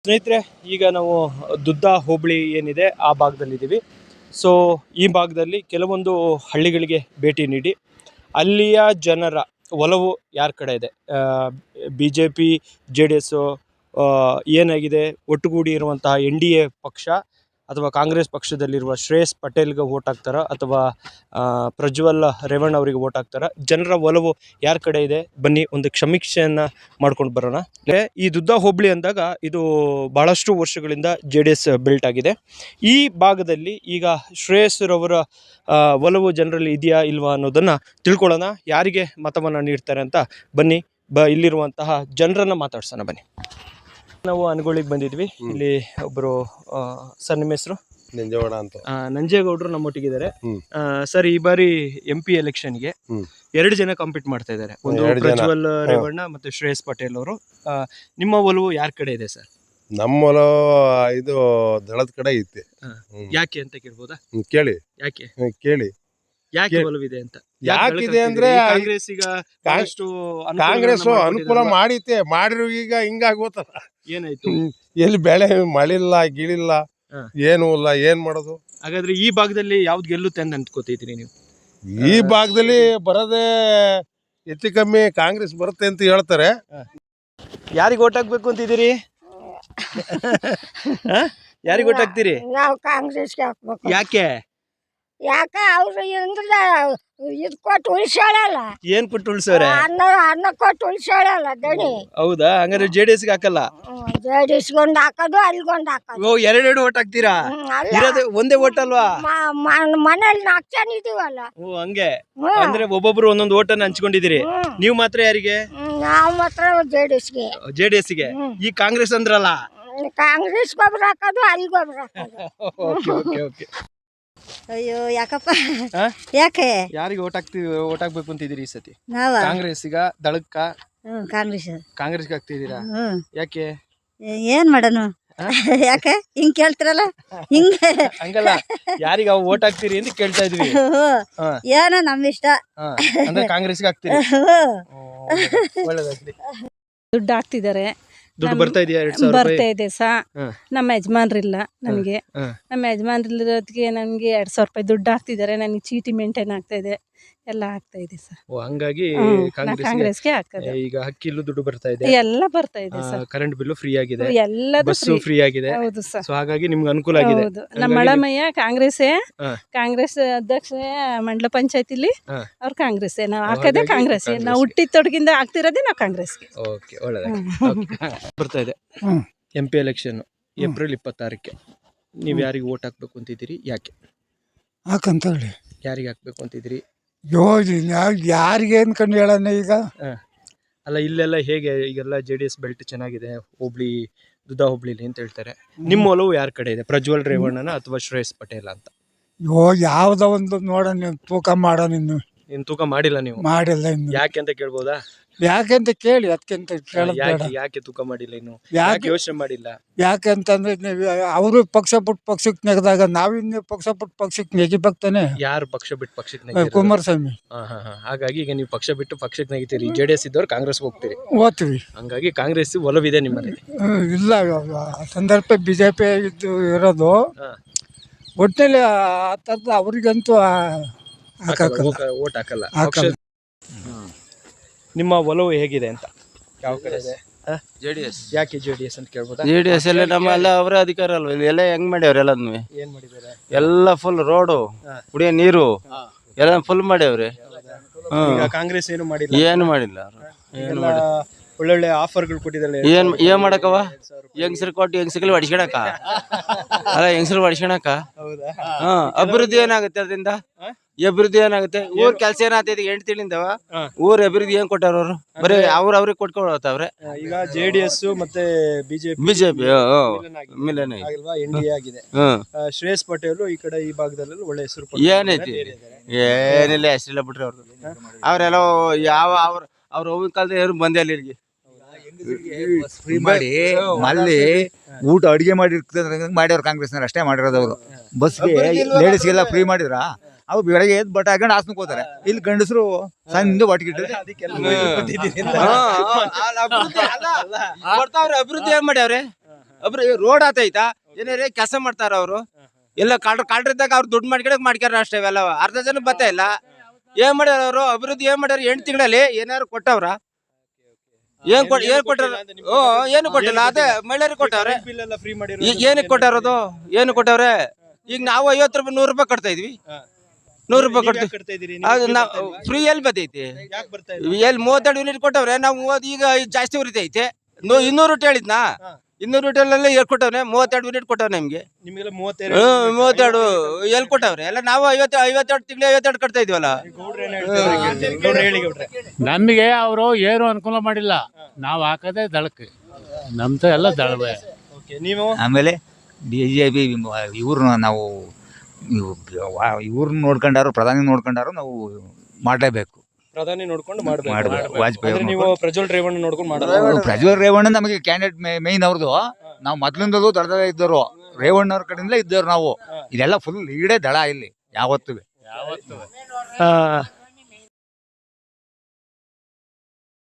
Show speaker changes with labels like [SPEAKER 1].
[SPEAKER 1] ಸ್ನೇಹಿತರೆ, ಈಗ ನಾವು ದುದ್ದ ಹೋಬಳಿ ಏನಿದೆ ಆ ಭಾಗದಲ್ಲಿದ್ದೀವಿ. ಸೊ ಈ ಭಾಗದಲ್ಲಿ ಕೆಲವೊಂದು ಹಳ್ಳಿಗಳಿಗೆ ಭೇಟಿ ನೀಡಿ ಅಲ್ಲಿಯ ಜನರ ಒಲವು ಯಾರ ಕಡೆ ಇದೆ, BJP JDS ಏನಾಗಿದೆ, ಒಟ್ಟುಗೂಡಿ ಇರುವಂತಹ NDA ಪಕ್ಷ ಅಥವಾ ಕಾಂಗ್ರೆಸ್ ಪಕ್ಷದಲ್ಲಿರುವ ಶ್ರೇಯಸ್ ಪಟೇಲ್ಗೆ ವೋಟ್ ಹಾಕ್ತಾರ ಅಥವಾ ಪ್ರಜ್ವಲ್ ರೇವಣ್ಣ ಅವರಿಗೆ ವೋಟ್ ಹಾಕ್ತಾರ, ಜನರ ಒಲವು ಯಾರ ಕಡೆ ಇದೆ, ಬನ್ನಿ ಒಂದು ಸಮೀಕ್ಷೆಯನ್ನು ಮಾಡ್ಕೊಂಡು ಬರೋಣ. ಈ ದುದ್ದ ಹೋಬಳಿ ಅಂದಾಗ ಇದು ಬಹಳಷ್ಟು ವರ್ಷಗಳಿಂದ JDS ಬಿಲ್ಟ್ ಆಗಿದೆ. ಈ ಭಾಗದಲ್ಲಿ ಈಗ ಶ್ರೇಯಸ್ರವರ ಒಲವು ಜನರಲ್ಲಿ ಇದೆಯಾ ಇಲ್ವಾ ಅನ್ನೋದನ್ನು ತಿಳ್ಕೊಳ್ಳೋಣ. ಯಾರಿಗೆ ಮತವನ್ನು ನೀಡ್ತಾರೆ ಅಂತ ಬನ್ನಿ, ಇಲ್ಲಿರುವಂತಹ ಜನರನ್ನು ಮಾತಾಡ್ಸೋಣ ಬನ್ನಿ. ನಾವು ಅನಗೋಳಿಗೆ ಬಂದಿದ್ವಿ. ಇಲ್ಲಿ ಒಬ್ಬರು ಸರ್, ನಿಮ್ಮ ಹೆಸರು?
[SPEAKER 2] ನಂಜೇಗೌಡ ಅಂತ.
[SPEAKER 1] ನಂಜೇಗೌಡರು ನಮ್ಮೊಟ್ಟಿಗಿದ್ದಾರೆ. ಸರ್, ಈ ಬಾರಿ MP ಎಲೆಕ್ಷನ್ಗೆ 2 ಜನ ಕಾಂಪೀಟ್ ಮಾಡ್ತಾ ಇದ್ದಾರೆ. ಒಂದು ಪ್ರಜ್ವಲ್ ರೇವಣ್ಣ ಮತ್ತೆ ಶ್ರೇಯಸ್ ಪಟೇಲ್ ಅವರು. ನಿಮ್ಮ ಒಲವು ಯಾರ ಕಡೆ ಇದೆ ಸರ್?
[SPEAKER 2] ನಮ್ಮ ಒಲವು ಇದು ದಳದ ಕಡೆ ಐತೆ.
[SPEAKER 1] ಯಾಕೆ ಅಂತ ಕೇಳ್ಬೋದಾ?
[SPEAKER 2] ಕೇಳಿ.
[SPEAKER 1] ಯಾಕೆ
[SPEAKER 2] ಕೇಳಿ
[SPEAKER 1] ಯಾಕೆ ಒಲವಿದೆ ಅಂತ?
[SPEAKER 2] ಯಾಕಿದೆ ಅಂದ್ರೆ
[SPEAKER 1] ಕಾಂಗ್ರೆಸ್ ಈಗ
[SPEAKER 2] ಕಾಂಗ್ರೆಸ್ ಅನುಕೂಲ ಮಾಡೈತೆ, ಮಾಡಿರೋ ಈಗ ಹಿಂಗಾಗೋತಲ್ಲ.
[SPEAKER 1] ಏನಾಯ್ತು?
[SPEAKER 2] ಎಲ್ಲಿ ಬೆಳೆ ಮಳಿಲ್ಲ ಗಿಳಿಲ್ಲ, ಏನು ಇಲ್ಲ, ಏನ್ ಮಾಡೋದು?
[SPEAKER 1] ಹಾಗಾದ್ರೆ ಈ ಭಾಗದಲ್ಲಿ ಯಾವ್ದು ಗೆಲ್ಲುತ್ತೆ ಅಂತ ಅಂದ್ಕೋತಿದ್ರಿ ನೀವು?
[SPEAKER 2] ಈ ಭಾಗದಲ್ಲಿ ಬರೋದೇ ಹೆಚ್ಚು ಕಮ್ಮಿ ಕಾಂಗ್ರೆಸ್ ಬರುತ್ತೆ ಅಂತ ಹೇಳ್ತಾರೆ.
[SPEAKER 1] ಯಾರಿಗೆ ಓಟ್ ಹಾಕ್ಬೇಕು ಅಂತಿದ್ದೀರಿ? ಯಾರಿಗೆ ಓಟ್ ಹಾಕ್ತೀರಿ?
[SPEAKER 3] ನಾವು ಕಾಂಗ್ರೆಸ್ಗೆ ಹಾಕ್ಬೇಕು.
[SPEAKER 1] ಯಾಕೆ?
[SPEAKER 3] ಅವ್ರು ಇದು ಕೊಟ್ಟು ಉಳಿಸಾಳಲ್ಲ.
[SPEAKER 1] ಏನ್ ಕೊಟ್ಟು ಉಳ್ಸವ್ರೆ?
[SPEAKER 3] ಅನ್ನ ಕೊಟ್ಟು ಉಳಿಸಾಳಲ್ಲ ದಣಿ.
[SPEAKER 1] ಹೌದಾ? ಹಂಗಾದ್ರೆ JDS ಗೆ ಹಾಕಲ್ಲ?
[SPEAKER 3] JDS-ಗೊಂದು ಹಾಕೋದು, ಅಲ್ಲಿಗೊಂದು ಹಾಕೋದು.
[SPEAKER 1] ಓ, 2 ಓಟ್ ಹಾಕ್ತೀರಾ? ಇರೋದೇ ಒಂದೇ ಓಟ್ ಅಲ್ವಾ?
[SPEAKER 3] ಮನೇಲಿ 4 ಜನ ಇದೀವಲ್ಲ.
[SPEAKER 1] ಓ, ಹಂಗೆ. ಅಂದ್ರೆ ಒಬ್ಬೊಬ್ರು ಒಂದೊಂದು ಓಟನ್ನ ಹಂಚ್ಕೊಂಡಿದ್ದೀರಿ. ನೀವು ಮಾತ್ರ ಯಾರಿಗೆ?
[SPEAKER 3] ನಾವು ಮಾತ್ರ JDS-ಗೆ.
[SPEAKER 1] JDS ಗೆ. ಈ ಕಾಂಗ್ರೆಸ್ ಅಂದ್ರಲ್ಲ,
[SPEAKER 3] ಕಾಂಗ್ರೆಸ್ ಗೊಬ್ಬರ ಹಾಕೋದು, ಅಲ್ಲಿ ಗೊಬ್ಬರ ಹಾಕೋದು.
[SPEAKER 1] Okay okay okay.
[SPEAKER 3] ಅಯ್ಯೋ, ಯಾಕಪ್ಪ? ಯಾಕೆ
[SPEAKER 1] ಯಾರಿಗೆ ಓಟ್ ಹಾಕ್ಬೇಕು ಅಂತಿದ್ದೀರಿ ಈ ಸತಿ?
[SPEAKER 3] ನಾವ
[SPEAKER 1] ಕಾಂಗ್ರೆಸ್ಸಿಗ, ದಳಕ್ಕ? ಕಾಂಗ್ರೆಸ್ಗೆ ಹಾಕ್ತಿದ್ದೀರಾ? ಯಾಕೆ?
[SPEAKER 3] ಏನ್ ಮಾಡೋಣ? ಯಾಕೆ ಹಿಂಗ್ ಕೇಳ್ತಿರಲ್ಲ? ಹಿಂಗೆ
[SPEAKER 1] ಹಂಗಲ್ಲ, ಯಾರಿಗೆ ಓಟ್ ಹಾಕ್ತೀರಿ ಅಂತ ಕೇಳ್ತಾ ಇದ್ವಿ.
[SPEAKER 3] ಏನೋ ನಮ್ ಇಷ್ಟ.
[SPEAKER 1] ಅಂದ್ರೆ ಕಾಂಗ್ರೆಸ್ಗೆ ಹಾಕ್ತೀರಿ? ಒಳ್ಳೇದಾಗ್ಲಿ.
[SPEAKER 4] ದುಡ್ಡು ಹಾಕ್ತಿದ್ದಾರೆ.
[SPEAKER 1] ದುಡ್ಡು ಬರ್ತಾ ಇದೆಯಾ? 2000
[SPEAKER 4] ಬರ್ತಾ ಇದೆ ನಮ್ಮ ಯಜಮಾನ್ರಿಲ್ಲ ನನಗೆ. ನಮ್ಮ ಯಜಮಾನ್ರಿರೋದಕ್ಕೆ ನನ್ಗೆ 2000 ರೂಪಾಯಿ ದುಡ್ಡು ಹಾಕ್ತಿದ್ದಾರೆ. ನನಗೆ ಚೀಟಿ ಮೇಂಟೈನ್ ಆಗ್ತಾ ಇದೆ, ಎಲ್ಲ ಆಗ್ತಾ ಇದೆ ಸರ್.
[SPEAKER 1] ಹಂಗಾಗಿ
[SPEAKER 4] ಕಾಂಗ್ರೆಸ್ಗೆ ಹಾಕೋದು.
[SPEAKER 1] ಈಗ ಅಕ್ಕಿಲು ದುಡ್ಡು ಬರ್ತಾ ಇದೆ,
[SPEAKER 4] ಎಲ್ಲ ಬರ್ತಾ ಇದೆ ಸರ್.
[SPEAKER 1] ಕರೆಂಟ್ ಬಿಲ್ಲು ಫ್ರೀ ಆಗಿದೆ,
[SPEAKER 4] ಎಲ್ಲದೂ
[SPEAKER 1] ಬಸ್ಸು ಫ್ರೀ ಆಗಿದೆ.
[SPEAKER 4] ಹೌದು ಸರ್.
[SPEAKER 1] ಸೊ ಹಾಗಾಗಿ ನಿಮ್ಗೆ ಅನುಕೂಲ ಆಗಿದೆ.
[SPEAKER 4] ನಮ್ಮ ಮಳಮಯ್ಯ ಕಾಂಗ್ರೆಸ್ ಅಧ್ಯಕ್ಷ ಮಂಡಲ ಪಂಚಾಯತಿಲಿ ಅವ್ರು ಕಾಂಗ್ರೆಸ್. ನಾವು ಹಾಕೋದೇ ಕಾಂಗ್ರೆಸ್. ನಾವು ಹುಟ್ಟಿದ ತೊಡಗಿಂದ ಆಗ್ತಿರೋದೇ ನಾವು ಕಾಂಗ್ರೆಸ್ಗೆ.
[SPEAKER 1] ಓಕೆ, ಒಳ್ಳೆದಾಗಿ. ಬರ್ತಾ ಇದೆ MP ಎಲೆಕ್ಷನ್ ಏಪ್ರಿಲ್ 26ಕ್ಕೆ. ನೀವು ಯಾರಿಗೆ ಓಟ್ ಹಾಕ್ಬೇಕು ಅಂತಿದ್ದೀರಿ? ಯಾಕೆ?
[SPEAKER 5] ಹಾಕಂತ ಹೇಳಿ.
[SPEAKER 1] ಯಾರಿಗೆ ಹಾಕ್ಬೇಕು ಅಂತಿದ್ದೀರಿ?
[SPEAKER 5] ಯಾರಿಗೆ ಅನ್ಕೊಂಡು ಹೇಳೋಣ ಈಗ.
[SPEAKER 1] ಅಲ್ಲ, ಇಲ್ಲೆಲ್ಲ ಹೇಗೆ ಈಗೆಲ್ಲ JDS ಬೆಲ್ಟ್ ಚೆನ್ನಾಗಿದೆ ದುದ್ದ ಹೋಬಳಿಲಿ ಅಂತ ಹೇಳ್ತಾರೆ. ನಿಮ್ಮ ಒಲವು ಯಾರ ಕಡೆ ಇದೆ? ಪ್ರಜ್ವಲ್ ರೇವಣ್ಣನ ಅಥವಾ ಶ್ರೇಯಸ್ ಪಟೇಲ್ ಅಂತ?
[SPEAKER 5] ಯಾವ್ದೋ ಒಂದು ನೋಡೋಣ, ತೂಕ ಮಾಡೋಣ. ಇನ್ನು
[SPEAKER 1] ತೂಕ ಮಾಡಿಲ್ಲ ನೀವು? ಮಾಡಿಲ್ಲ ಇನ್ನು. ಯಾಕೆ ಅಂತ ಕೇಳ್ಬೋದಾ?
[SPEAKER 5] ಯಾಕೆಂತ ಕೇಳಿ, ಅದಕ್ಕಿಂತ
[SPEAKER 1] ಯಾಕೆ ತೂಕ ಮಾಡಿಲ್ಲ ಇನ್ನು? ಯಾಕೆ ಯೋಚನೆ ಮಾಡಿಲ್ಲ?
[SPEAKER 5] ಯಾಕೆಂತಂದ್ರೆ ಅವರು ಪಕ್ಷ ಬಿಟ್ಟು ಪಕ್ಷಕ್ಕೆ ನೆಗೆದಾಗ ನಾವಿನ್ನು ಪಕ್ಷ ಬಿಟ್ಟು ಪಕ್ಷಕ್ಕೆ ನೆಗಿಬೇಕಾನೆ.
[SPEAKER 1] ಯಾರು ಪಕ್ಷ ಬಿಟ್ಟು ಪಕ್ಷಕ್ಕೆ ನೆಗೆದಿರೋದು?
[SPEAKER 5] ಕುಮಾರಸ್ವಾಮಿ.
[SPEAKER 1] ಹಾಗಾಗಿ ಈಗ ನೀವು ಪಕ್ಷ ಬಿಟ್ಟು ಪಕ್ಷಕ್ಕೆ ನೆಗಿತೀರಿ. JDS ಇದ್ದವ್ರು ಕಾಂಗ್ರೆಸ್ ಹೋಗ್ತೀರಿ.
[SPEAKER 5] ಓದ್ತೀವಿ.
[SPEAKER 1] ಹಂಗಾಗಿ ಕಾಂಗ್ರೆಸ್ ಒಲವಿದೆ ನಿಮ್ಮಲ್ಲಿ?
[SPEAKER 5] ಇಲ್ಲ, ಸಂದರ್ಭ BJP ಇರೋದು. ಒಟ್ಟಿನಲ್ಲಿ ಆ ಥರದ ಅವ್ರಿಗಂತೂ
[SPEAKER 1] ಓಟ್ ಹಾಕಲ್ಲ. ನಿಮ್ಮ ಒಲವು ಹೇಗಿದೆ ಅಂತ? ಯಾವ ಕಡೆ ಇದೆ?
[SPEAKER 6] JDS.
[SPEAKER 1] ಯಾಕೆ JDS ಅಂತ ಕೇಳ್ಬೋದಾ?
[SPEAKER 6] JDS ಎಲ್ಲ ನಮ್ಮೆಲ್ಲ ಅವರೇ ಅಧಿಕಾರ ಅಲ್ವ? ಇಲ್ಲಿ ಎಲ್ಲ ಹೆಂಗ್ ಮಾಡ್ಯಾವ್ರ? ಎಲ್ಲದನ್ನು
[SPEAKER 1] ಏನ್ ಮಾಡಿದ್ದಾರೆ?
[SPEAKER 6] ಎಲ್ಲ ಫುಲ್ ರೋಡು, ಕುಡಿಯೋ ನೀರು ಎಲ್ಲ ಫುಲ್ ಮಾಡ್ಯಾವ್ರಿ.
[SPEAKER 1] ಕಾಂಗ್ರೆಸ್ ಏನು ಮಾಡಿಲ್ಲ?
[SPEAKER 6] ಏನು ಮಾಡಿಲ್ಲ.
[SPEAKER 1] ಒಳ್ಳೊಳ್ಳೆ ಆಫರ್ಗಳು ಕೊಟ್ಟಿದ್ದಾರೆ.
[SPEAKER 6] ಏನ್ ಮಾಡಕವ? ಹೆಂಗಸರು ಕೊಟ್ಟು ಹೆಂಗಸಗಳು ಹೊಡಿಸ್ಕೊಳಕ ಅಲ್ಲ, ಹೆಂಗಸರು ಹೊಡಿಸ್ಕೊಳಕ. ಅಭಿವೃದ್ಧಿ ಏನಾಗುತ್ತೆ ಅದರಿಂದ? ಅಭಿವೃದ್ಧಿ ಏನಾಗುತ್ತೆ? ಊರ್ ಕೆಲಸ ಏನಾಗ್ತೈತಿ? 8 ತಿಂಗಳಿಂದವ ಊರ್ ಅಭಿವೃದ್ಧಿ ಏನ್ ಕೊಟ್ಟಾರ ಅವ್ರು? ಬರೀ ಅವ್ರಿಗೆ ಕೊಟ್ಕೊಳತ್ತವ್ರೆ.
[SPEAKER 1] ಈಗ JDS ಮತ್ತೆ BJP
[SPEAKER 6] ಮಿಲನ
[SPEAKER 1] NDA ಆಗಿದೆ. ಶ್ರೇಯಸ್ ಪಟೇಲ್ ಈ ಕಡೆ ಈ ಭಾಗದಲ್ಲಿ ಒಳ್ಳೆ ಹೆಸರು.
[SPEAKER 6] ಏನೈತಿ? ಏನಿಲ್ಲ, ಹೆಸರಿಲ್ಲ ಬಿಟ್ರಿ ಅವ್ರದ್ದು. ಅವ್ರೆಲ್ಲ ಅವ್ರ ಹೋಗಿನ ಕಾಲದ ಏನು ಬಂದೇ ಇಲ್ಲ ಇಲ್ಲಿಗೆ.
[SPEAKER 7] ಫ್ರೀ ಮಾಡಿ ಅಲ್ಲಿ ಊಟ ಅಡಿಗೆ ಮಾಡ್ಯಾವ್ರು ಕಾಂಗ್ರೆಸ್ನವ್ರು. ಅಷ್ಟೇ ಮಾಡಿರೋದು ಅವರು. ಬಸ್ಗೆ ಲೇಡೀಸ್ಗೆಲ್ಲ ಫ್ರೀ ಮಾಡಿದ್ರ. ಅವು ಬೆಳಗ್ಗೆ ಎದ್ದು ಬಟ್ಟೆ ಹಾಕೊಂಡು ಹಾಸ್ನ ಹೋಗ್ತಾರೆ. ಇಲ್ಲಿ ಗಂಡಸರು ಸಣ್ಣ ಬಟ್ಗಿಟ್ಟು
[SPEAKER 6] ಅಭಿವೃದ್ಧಿ ಏನ್ ಮಾಡ್ಯಾವ್ರೆ? ರೋಡ್ ಆತೈತಾ ಏನಾರೇ ಕೆಲಸ ಮಾಡ್ತಾರ ಅವರು ಎಲ್ಲ ಕಾಲ್ರಿದ್ದಾಗ ಅವ್ರು ದುಡ್ಡು ಮಾಡ್ಕ್ಯಾರ ಅಷ್ಟೇ ಇವೆಲ್ಲ ಅರ್ಧ ಜನ ಬತ್ತ ಇಲ್ಲ ಏನ್ ಮಾಡ್ಯಾರ ಅವರು ಅಭಿವೃದ್ಧಿ ಏನ್ ಮಾಡ್ಯಾರ 8 ತಿಂಗಳಲ್ಲಿ ಏನಾರು ಕೊಟ್ಟವ್ರ ಏನ್ ಕೊಟ್ಟಾರ ಏನು ಕೊಟ್ಟಿಲ್ಲ ಅದೇ ಮಹಿಳೆಯರಿಗೆ ಕೊಟ್ಟವ್ರೆ
[SPEAKER 1] ಫ್ರೀ ಮಾಡಿ
[SPEAKER 6] ಈಗ ಏನಕ್ಕೆ ಕೊಟ್ಟಾರದು ಏನು ಕೊಟ್ಟವ್ರೆ ಈಗ ನಾವು 50 ರೂಪಾಯಿ 100 ರೂಪಾಯಿ ಕಟ್ತಾ ಇದ್ವಿ 100 ರೂಪಾಯಿ ಕಟ್ತೀವಿ ಅದು ನಾವು ಫ್ರೀ ಎಲ್ಲಿ ಬರ್ತೈತಿ ಎಲ್ಲಿ 32 ಯೂನಿಟ್ ಕೊಟ್ಟವ್ರೆ ನಾವು ಈಗ ಜಾಸ್ತಿ ಉರಿತೈತೆ 200 ಹೇಳಿದ್ನಾ 200 ಯೂನಿಟ್ ಎಲ್ಲಿ ಕೊಟ್ಟವ್ರೆ 32 ಯೂನಿಟ್ ಕೊಟ್ಟವ್ರೆ ನಿಮ್ಗೆ
[SPEAKER 1] ನಿಮ್ಗೆಲ್ಲ
[SPEAKER 6] 32 ಎಲ್ಲಿ ಕೊಟ್ಟವ್ರೆ ಎಲ್ಲ ನಾವು 52 ತಿಂಗಳು 52 ಕಟ್ತಾ ಇದೀವಲ್ಲ
[SPEAKER 8] ನಮಗೆ ಅವರು ಏನು ಅನುಕೂಲ ಮಾಡಿಲ್ಲ ನಾವು ಹಾಕದೆ ದಳಕ್ಕೆ ನಮ್ದು ಎಲ್ಲ ದಳವೇ.
[SPEAKER 1] ನೀವು
[SPEAKER 7] ಆಮೇಲೆ BJP ಇವ್ರನ್ನ ನಾವು ಇವ್ರನ್ನ ನೋಡ್ಕೊಂಡಾರು ಪ್ರಧಾನಿ ನೋಡ್ಕೊಂಡಾರು ನಾವು ಮಾಡಲೇಬೇಕು.
[SPEAKER 1] ಪ್ರಧಾನಿ ನೋಡ್ಕೊಂಡು
[SPEAKER 7] ಮಾಡ್ಬೇಕು.
[SPEAKER 1] ಮಾಡ್ಬೇಕು
[SPEAKER 7] ವಾಜಪೇಯಿ
[SPEAKER 1] ಅಂದ್ರೆ ನೀವು ಪ್ರಜ್ವಲ್ ರೇವಣ್ಣ ನೋಡ್ಕೊಂಡು ಮಾಡಲ್ಲ
[SPEAKER 7] ಪ್ರಜ್ವಲ್ ರೇವಣ್ಣ ನಮಗೆ ಕ್ಯಾಂಡಿಡೇಟ್ ಮೇಯ್ನ್ ಅವ್ರದ್ದು. ನಾವು ಮೊದ್ಲಿಂದಲೂ ದಳದಲ್ಲೇ ಇದ್ದವರು, ರೇವಣ್ಣ ಅವ್ರ ಕಡೆಯಿಂದಲೇ ಇದ್ದವ್ರು ನಾವು. ಇದೆಲ್ಲ ಫುಲ್ ಲೀಡೇ ದಳ ಇಲ್ಲಿ ಯಾವತ್ತೂ.